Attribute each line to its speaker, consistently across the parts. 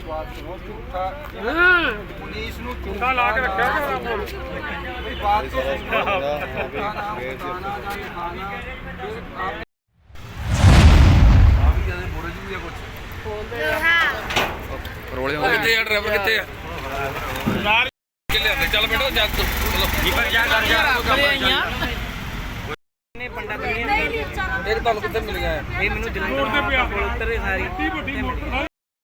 Speaker 1: ਵਿਸ਼ਵਾਸ ਕਰੋ ਝੂਠਾ ਪੁਲਿਸ ਨੂੰ
Speaker 2: ਝੂਠਾ ਲਾ ਕੇ ਰੱਖਿਆ
Speaker 1: ਮੇਰੀ ਬਾਤ ਤੋਂ ਝੂਠਾ ਨਾਮ बताना ਜਾਂ ਖਾਣਾ ਫਿਰ ਆਪ ਆ ਵੀ ਜਦੇ ਬੋਰੇ ਜੀ ਕੁਝ
Speaker 3: ਰੋਲੇ ਹੁੰਦੇ ਕਿੱਥੇ ਆ ਡਰਾਈਵਰ ਕਿੱਥੇ ਆ ਨਾਲ ਕਿੱਲੇ ਆਂਦੇ ਚੱਲ ਬੈਠੋ ਜਾ ਚਲੋ ਨੀਪਰ ਜਾ ਕਰ ਜਾ ਕਰੇ ਆਈਆਂ ਨੇ ਪੰਡਾ ਦੁਨੀਆ ਇਹ ਤੁਹਾਨੂੰ ਕਿੱਥੇ ਮਿਲ ਗਿਆ ਇਹ ਮੈਨੂੰ ਜਲੰਧਰ ਦੇ ਪਿਆ ਉੱਤਰੇ ਸਾਰੀ ਵੱਡੀ ਵੱਡੀ ਮੋਟਰ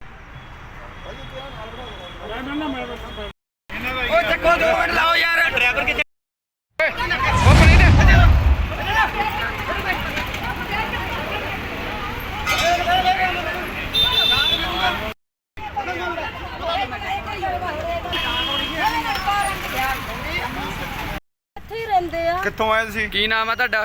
Speaker 3: ਓਏ ਚੱਕੋ 2 ਮਿੰਟ ਲਾਓ ਯਾਰ ਡਰਾਈਵਰ ਕਿੱਥੇ ਉਹ ਪਣੀ ਨੇ
Speaker 4: ਕਿੱਥੋਂ ਆਏ ਤੁਸੀਂ?
Speaker 3: ਕੀ ਨਾਮ ਆ ਤੁਹਾਡਾ?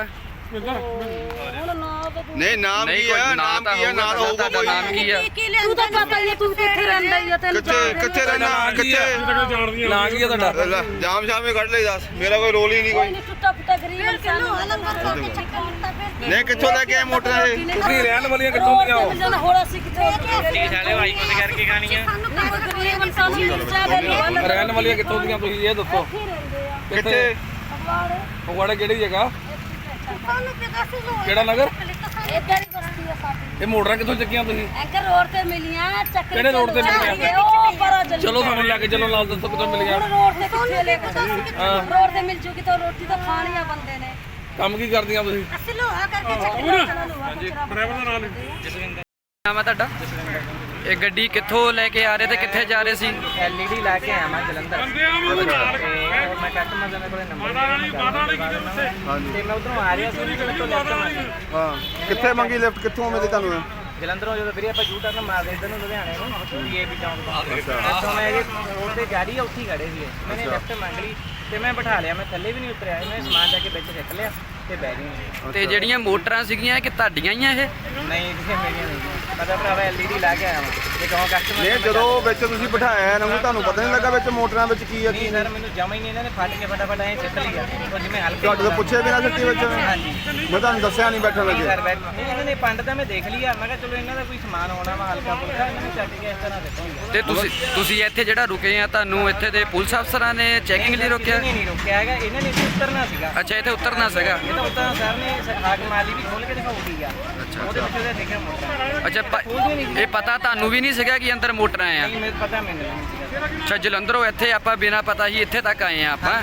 Speaker 4: ਨਹੀਂ ਨਾਮ ਕੀ ਆ? ਨਾਮ ਕੀ ਆ? ਨਾਮ ਹੋਊਗਾ ਕੋਈ।
Speaker 3: ਨਾਮ ਕੀ ਆ?
Speaker 5: ਤੂੰ ਤਾਂ ਪਤਾ ਹੀ ਤੂੰ ਕਿੱਥੇ ਰਹਿੰਦਾ ਹੀ ਆ ਤੈਨੂੰ
Speaker 4: ਕਿੱਥੇ ਰਹਿਣਾ? ਕਿੱਥੇ
Speaker 3: ਨਾਂ ਕੀ ਆ ਤੁਹਾਡਾ?
Speaker 4: ਜਾਮ ਸ਼ਾਮੇ ਕੱਢ ਲਈ ਦੱਸ, ਮੇਰਾ ਕੋਈ ਰੋਲ ਹੀ ਨਹੀਂ ਕੋਈ।
Speaker 5: ਟੁੱਟਾ ਫੁੱਟਾ ਗਰੀਬ ਇਨਸਾਨ ਨੂੰ
Speaker 4: ਨਹੀਂ ਕਿੱਥੋਂ ਲੈ ਕੇ ਆਏ ਮੋਟਰਾਂ ਇਹ?
Speaker 3: ਤੁਸੀਂ ਰਹਿਣ ਵਾਲੀਆਂ ਕਿੱਥੋਂ ਦੀਆਂ ਹੋ?
Speaker 5: ਜਨ ਹੋਰ ਅਸੀਂ ਕਿੱਥੇ
Speaker 3: ਸਾਲੇ ਭਾਈ ਕੁਝ ਕਰਕੇ ਖਾਣੀਆਂ
Speaker 5: ਗਰੀਬ ਇਨਸਾਨ ਨੂੰ ਮਿਰਚਾ ਦੇ
Speaker 3: ਰਹਿਣ ਵਾਲੀਆਂ ਕਿੱਥੋਂ ਦੀਆਂ ਤੁਸੀਂ ਇਹ ਦੱਸੋ
Speaker 4: ਕਿੱਥੇ?
Speaker 3: ਫਗਵਾੜੇ ਕਿਹੜੀ ਜਗ੍ਹਾ? ਕਿਹੜਾ ਨਗਰ?
Speaker 5: ਇੱਧਰ ਹੀ ਬਸਤੀ ਆ ਸਾਡੀ।
Speaker 3: ਇਹ ਮੋਟਰਾਂ ਕਿੱਥੋਂ ਚੱਕੀਆਂ ਤੁਸੀਂ?
Speaker 5: ਐਂਕਰ ਰੋਡ ਤੇ ਮਿਲੀਆਂ ਚੱਕਰ
Speaker 3: ਕਿਹੜੇ ਰੋਡ ਤੇ ਮਿਲੀਆਂ?
Speaker 5: ਉਹ ਪਰਾਂ ਚੱਲੀ
Speaker 3: ਚਲੋ ਸਾਨੂੰ ਲੈ ਕੇ ਚਲੋ ਨਾਲ ਦੱਸੋ ਕਿੱਥੋਂ ਮਿਲੀਆਂ?
Speaker 5: ਹੁਣ ਰੋਡ ਤੇ ਕਿੱਥੇ ਲੈ ਕੇ ਰੋਡ ਤੇ ਮਿਲ ਜੂਗੀ ਤਾਂ ਰੋਟੀ ਤਾਂ ਖਾਣੀ ਆ ਬੰਦੇ ਨੇ।
Speaker 3: ਕੰਮ ਕੀ ਕਰਦੀਆਂ ਤੁਸੀਂ?
Speaker 5: ਅਸੀਂ ਲੋਹਾ ਕਰਕੇ ਚੱਕਰ ਹਾਂਜੀ
Speaker 2: ਡਰਾਈਵਰ ਦਾ ਨਾਮ
Speaker 3: ਜਸਵਿੰਦਰ ਨਾਮ ਆ ਤੁਹਾਡਾ? ਇਹ ਗੱਡੀ ਕਿੱਥੋਂ ਲੈ ਕੇ ਆ ਰਹੇ ਤੇ ਕਿੱਥੇ ਜਾ ਰਹੇ ਸੀ?
Speaker 6: LED ਲਾ ਕੇ ਆਇਆ ਮੈਂ ਜਲੰਧਰ
Speaker 2: ਬੰਦੇ ਆ ਮੈਨੂੰ ਨਾਲ
Speaker 6: ਤੇ ਮੈਂ ਕਸਟਮਰ ਦੇ ਕੋਲੇ ਨੰਬਰ
Speaker 4: ਹਾਂਜੀ
Speaker 6: ਤੇ ਮੈਂ ਉਧਰੋਂ ਆ ਰਿਹਾ ਸੀ ਤੇ ਤੋਂ ਲੈਫਟ ਮਾਰੀ
Speaker 4: ਹਾਂ ਕਿੱਥੇ ਮੰਗੀ ਲਿਫਟ? ਕਿੱਥੋਂ ਮਿਲੀ ਤੁਹਾਨੂੰ?
Speaker 6: ਜਲੰਧਰੋਂ ਜਦੋਂ ਵੀਰੇ ਆਪਾਂ ਯੂ ਟਰਨ ਮਾਰਦੇ ਇੱਧਰ ਨੂੰ ਲੁਧਿਆਣੇ ਨੂੰ DAP ਟਾਊਨ ਤੋਂ ਇੱਥੋਂ ਮੈਂ ਇਹ ਰੋਡ ਤੇ ਜਾ ਰਹੀ ਆ ਉੱਥੇ ਹੀ ਖੜੇ ਸੀ ਮੈਨੇ ਲੈਫਟ ਮੰਗ ਲਈ ਤੇ ਮੈਂ ਬਿਠਾ ਲਿਆ। ਮੈਂ ਥੱਲੇ ਵੀ ਨਹੀਂ ਉਤਰਿਆ, ਮੈਂ ਸਮਾਨ ਜਾ ਕੇ ਵਿੱਚ ਸਿੱਟ ਲਿਆ ਤੇ ਬਹਿ ਗਈ।
Speaker 3: ਤੇ ਜਿਹੜੀਆਂ ਮੋਟਰਾਂ ਸੀਗੀਆਂ ਕਿ ਤੁਹਾਡੀਆਂ ਹੀ ਆ ਇਹ?
Speaker 6: ਨਹੀਂ ਕਿਸੇ ਮੇਰੀਆਂ ਨਹੀਂ ਮੈਂ ਤਾਂ ਭਰਾਵਾ LED ਲਾ ਕੇ ਆਇਆ ਵਾਂ ਤੇ ਕਹੋ ਕਸਟਮਰ
Speaker 4: ਨਹੀਂ ਜਦੋਂ ਵਿੱਚ ਤੁਸੀਂ ਬਿਠਾਇਆ ਇਹਨਾਂ ਨੂੰ ਤੁਹਾਨੂੰ ਪਤਾ ਨਹੀਂ ਲੱਗਾ ਵਿੱਚ ਮੋਟਰਾਂ ਵਿੱਚ ਕੀ ਆ ਕੀ
Speaker 6: ਨਹੀਂ
Speaker 4: ਨਹੀਂ?
Speaker 6: ਸਰ ਮੈਨੂੰ ਜਮਾ ਹੀ ਨਹੀਂ ਇਹਨਾਂ ਨੇ ਫੜ ਕੇ ਫਟਾਫਟ ਐਂ ਸਿੱਟ ਲਿਆ ਉਹ ਜਿਵੇਂ ਹਲਕੇ
Speaker 4: ਤੁਹਾਡੇ ਤੋਂ ਪੁੱਛੇ ਬਿਨਾਂ ਸਿੱਟੀ ਵਿੱਚ?
Speaker 6: ਹਾਂਜੀ
Speaker 4: ਮੈਂ ਤੁਹਾਨੂੰ ਦੱਸਿਆ ਨਹੀਂ ਬੈਠਣ ਲੱਗੇ।
Speaker 6: ਸਰ ਬੈਠ ਨਹੀਂ ਇਹਨਾਂ ਨੇ ਪੰਡ ਤਾਂ ਮੈਂ ਦੇਖ ਲਿਆ। ਮੈਂ ਕਿਹਾ ਚਲੋ ਇਹਨਾਂ ਦਾ ਕੋਈ ਸਮਾਨ ਹੋਣਾ ਵਾ ਹਲਕਾ ਫੁਲਕਾ ਇਹਨਾਂ ਨੇ ਚੱਕ ਕੇ ਇਸ ਤਰ੍ਹਾਂ ਦਿੱਤਾ
Speaker 3: ਤੇ ਤੁਸੀਂ ਇੱਥੇ ਜਿਹੜਾ ਰੁਕੇ ਆ ਤੁਹਾਨੂੰ ਇੱਥੇ ਦੇ ਪੁਲਿਸ ਅਫਸਰਾਂ ਨੇ ਚੈਕਿੰਗ ਲਈ ਰੋਕਿਆ?
Speaker 6: ਨਹੀਂ ਰੋਕਿਆ ਹੈਗਾ ਇਹਨਾਂ ਨੇ ਇੱਥੇ ਉਤਰਨਾ ਸੀਗਾ।
Speaker 3: ਅੱਛਾ ਇੱਥੇ ਉਤਰਨਾ ਸੀਗਾ।
Speaker 6: ਇਹ ਤਾਂ ਉਤਰਨਾ ਸਰ ਨੇ ਹਾਕ ਮਾਲੀ ਵੀ ਖੋਲ ਕੇ ਦਿਖਾਉਗੀ ਆ ਉਹਦੇ ਵਿੱਚ ਉਹਦਾ ਦੇਖਿਆ ਮੋਟਰ
Speaker 3: ਅੱਛਾ ਇਹ ਪਤਾ ਤੁਹਾਨੂੰ ਵੀ ਨਹੀਂ ਸੀਗਾ ਕਿ ਅੰਦਰ ਮੋਟਰਾਂ ਆ?
Speaker 6: ਨਹੀਂ ਮੈਨੂੰ ਪਤਾ ਮੈਨੂੰ ਨਹੀਂ ਸੀਗਾ।
Speaker 3: ਅੱਛਾ ਜਲੰਧਰੋਂ ਇੱਥੇ ਆਪਾਂ ਬਿਨਾਂ ਪਤਾ ਹੀ ਇੱਥੇ ਤੱਕ ਆਏ ਆ ਆਪਾਂ।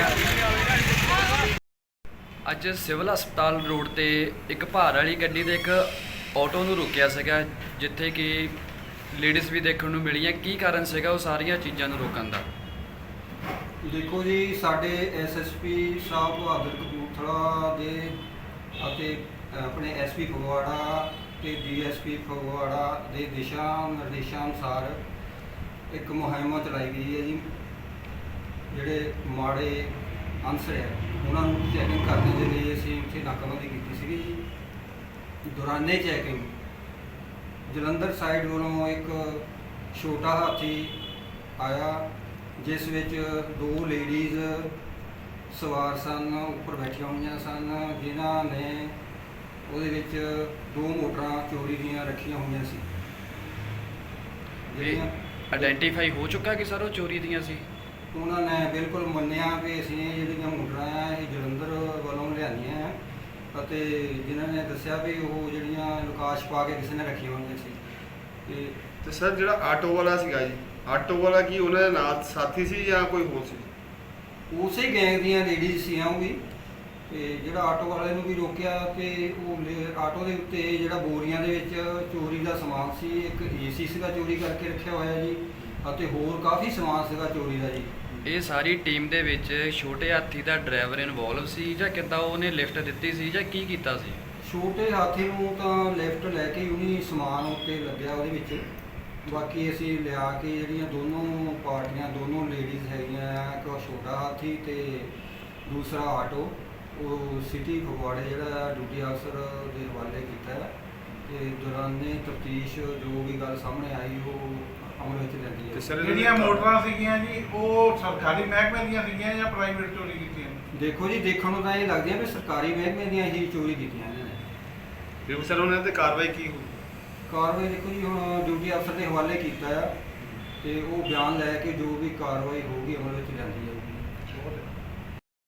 Speaker 3: ਅੱਜ ਸਿਵਲ ਹਸਪਤਾਲ ਰੋਡ ਤੇ ਇੱਕ ਭਾਰ ਵਾਲੀ ਗੱਡੀ ਦੇ ਇੱਕ ਆਟੋ ਨੂੰ ਰੋਕਿਆ ਸੀਗਾ ਜਿੱਥੇ ਕਿ ਲੇਡੀਜ਼ ਵੀ ਦੇਖਣ ਨੂੰ ਮਿਲੀਆਂ। ਕੀ ਕਾਰਨ ਸੀਗਾ ਉਹ ਸਾਰੀਆਂ ਚੀਜ਼ਾਂ ਨੂੰ ਰੋਕਣ ਦਾ?
Speaker 1: ਦੇਖੋ ਜੀ ਸਾਡੇ SSP ਸਾਹਿਬ ਬਹਾਦਰ ਕਪੂਰਥਲਾ ਦੇ ਅਤੇ ਆਪਣੇ SP ਫਗਵਾੜਾ ਤੇ DSP ਫਗਵਾੜਾ ਦੇ ਦਿਸ਼ਾ ਨਿਰਦੇਸ਼ਾਂ ਅਨੁਸਾਰ ਇੱਕ ਮੁਹਿੰਮ ਚਲਾਈ ਗਈ ਹੈ ਜੀ। ਜਿਹੜੇ ਮਾੜੇ ਅਨਸਰ ਹੈ ਉਹਨਾਂ ਨੂੰ ਚੈਕਿੰਗ ਕਰਨ ਦੇ ਲਈ ਅਸੀਂ ਉੱਥੇ ਨਾਕਾਬੰਦੀ ਕੀਤੀ ਸੀਗੀ ਜੀ। ਦੌਰਾਨੇ ਚੈਕਿੰਗ ਜਲੰਧਰ ਸਾਈਡ ਵੱਲੋਂ ਇੱਕ ਛੋਟਾ ਹਾਥੀ ਆਇਆ ਜਿਸ ਵਿੱਚ 2 ਲੇਡੀਜ਼ ਸਵਾਰ ਸਨ, ਉੱਪਰ ਬੈਠੀਆਂ ਹੋਈਆਂ ਸਨ, ਜਿਨ੍ਹਾਂ ਨੇ ਉਹਦੇ ਵਿੱਚ 2 ਮੋਟਰਾਂ ਚੋਰੀ ਦੀਆਂ ਰੱਖੀਆਂ ਹੋਈਆਂ ਸੀ। ਜਿਹੜੀਆਂ
Speaker 3: ਆਇਡੈਂਟੀਫਾਈ ਹੋ ਚੁੱਕਾ ਕਿ ਸਰ ਉਹ ਚੋਰੀ ਦੀਆਂ ਸੀ?
Speaker 1: ਉਹਨਾਂ ਨੇ ਬਿਲਕੁਲ ਮੰਨਿਆ ਕਿ ਅਸੀਂ ਇਹ ਜਿਹੜੀਆਂ ਮੋਟਰਾਂ ਆ ਇਹ ਜਲੰਧਰ ਵੱਲੋਂ ਲਿਆਂਦੀਆਂ ਆ ਅਤੇ ਜਿਨ੍ਹਾਂ ਨੇ ਦੱਸਿਆ ਵੀ ਉਹ ਜਿਹੜੀਆਂ ਲੁਕਾਸ਼ ਪਾ ਕੇ ਕਿਸੇ ਨੇ ਰੱਖੀਆਂ ਹੋਈਆਂ ਸੀ।
Speaker 4: ਤੇ ਸਰ ਜਿਹੜਾ ਆਟੋ ਵਾਲਾ ਸੀਗਾ ਜੀ, ਆਟੋ ਵਾਲਾ ਕੀ ਉਹਨਾਂ ਦੇ ਨਾਲ ਸਾਥੀ ਸੀ ਜਾਂ ਕੋਈ ਹੋਰ ਸੀ?
Speaker 1: ਉਸੇ ਗੈਂਗ ਦੀਆਂ ਲੇਡੀਜ਼ ਸੀ ਉਹ ਵੀ। ਤੇ ਜਿਹੜਾ ਆਟੋ ਵਾਲੇ ਨੂੰ ਵੀ ਰੋਕਿਆ ਤੇ ਉਹ ਆਟੋ ਦੇ ਉੱਤੇ ਜਿਹੜਾ ਬੋਰੀਆਂ ਦੇ ਵਿੱਚ ਚੋਰੀ ਦਾ ਸਮਾਨ ਸੀ, ਇੱਕ AC ਸੀਗਾ ਚੋਰੀ ਕਰਕੇ ਰੱਖਿਆ ਹੋਇਆ ਜੀ ਅਤੇ ਹੋਰ ਕਾਫੀ ਸਮਾਨ ਸੀਗਾ ਚੋਰੀ ਦਾ ਜੀ।
Speaker 3: ਇਹ ਸਾਰੀ ਟੀਮ ਦੇ ਵਿੱਚ ਛੋਟੇ ਹਾਥੀ ਦਾ ਡਰਾਈਵਰ ਇਨਵੋਲਵ ਸੀ ਜਾਂ ਕਿੱਦਾਂ ਉਹਨੇ ਲਿਫਟ ਦਿੱਤੀ ਸੀ ਜਾਂ ਕੀ ਕੀਤਾ ਸੀ?
Speaker 1: ਛੋਟੇ ਹਾਥੀ ਨੂੰ ਤਾਂ ਲਿਫਟ ਲੈ ਕੇ ਉਹਨੇ ਸਮਾਨ ਉੱਤੇ ਲੱਗਿਆ ਉਹਦੇ ਵਿੱਚ। ਬਾਕੀ ਅਸੀਂ ਲਿਆ ਕੇ ਜਿਹੜੀਆਂ ਦੋਨੋਂ ਪਾਰਟੀਆਂ ਦੋਨੋਂ ਲੇਡੀਜ਼ ਹੈਗੀਆਂ ਆ, ਇੱਕ ਛੋਟਾ ਹਾਥੀ ਤੇ ਦੂਸਰਾ ਆਟੋ, ਉਹ ਸਿਟੀ ਫਗਵਾੜੇ ਜਿਹੜਾ ਡਿਊਟੀ ਅਫਸਰ ਦੇ ਹਵਾਲੇ ਕੀਤਾ ਹੈ। ਤੇ ਦੌਰਾਨੇ ਤਫਤੀਸ਼ ਜੋ ਵੀ ਗੱਲ ਸਾਹਮਣੇ ਆਈ ਉਹ ਅਮਲ ਵਿੱਚ ਲੈਂਦੀ ਹੈ।
Speaker 2: ਜਿਹੜੀਆਂ ਮੋਟਰਾਂ ਸੀਗੀਆਂ ਜੀ ਉਹ ਸਰਕਾਰੀ ਮਹਿਕਮੇ ਦੀਆਂ ਸੀਗੀਆਂ ਜਾਂ ਪ੍ਰਾਈਵੇਟ ਚੋਰੀ ਕੀਤੀਆਂ?
Speaker 1: ਦੇਖੋ ਜੀ ਦੇਖਣ ਨੂੰ ਤਾਂ ਇਹ ਲੱਗਦੀਆਂ ਵੀ ਸਰਕਾਰੀ ਮਹਿਕਮੇ ਦੀਆਂ ਹੀ ਚੋਰੀ ਕੀਤੀਆਂ ਇਹਨਾਂ ਨੇ।
Speaker 4: ਫਿਰ ਸਰ ਉਹਨਾਂ ਤੇ ਕਾਰਵਾਈ ਕੀ ਹੋਈ?
Speaker 1: ਕਾਰਵਾਈ ਦੇਖੋ ਜੀ ਹੁਣ ਡਿਊਟੀ ਅਫਸਰ ਦੇ ਹਵਾਲੇ ਕੀਤਾ ਆ ਤੇ ਉਹ ਬਿਆਨ ਲੈ ਕੇ ਜੋ ਵੀ ਕਾਰਵਾਈ ਹੋਊਗੀ ਅਮਲ ਵਿੱਚ ਲਿਆਂਦੀ ਜਾਊਗੀ।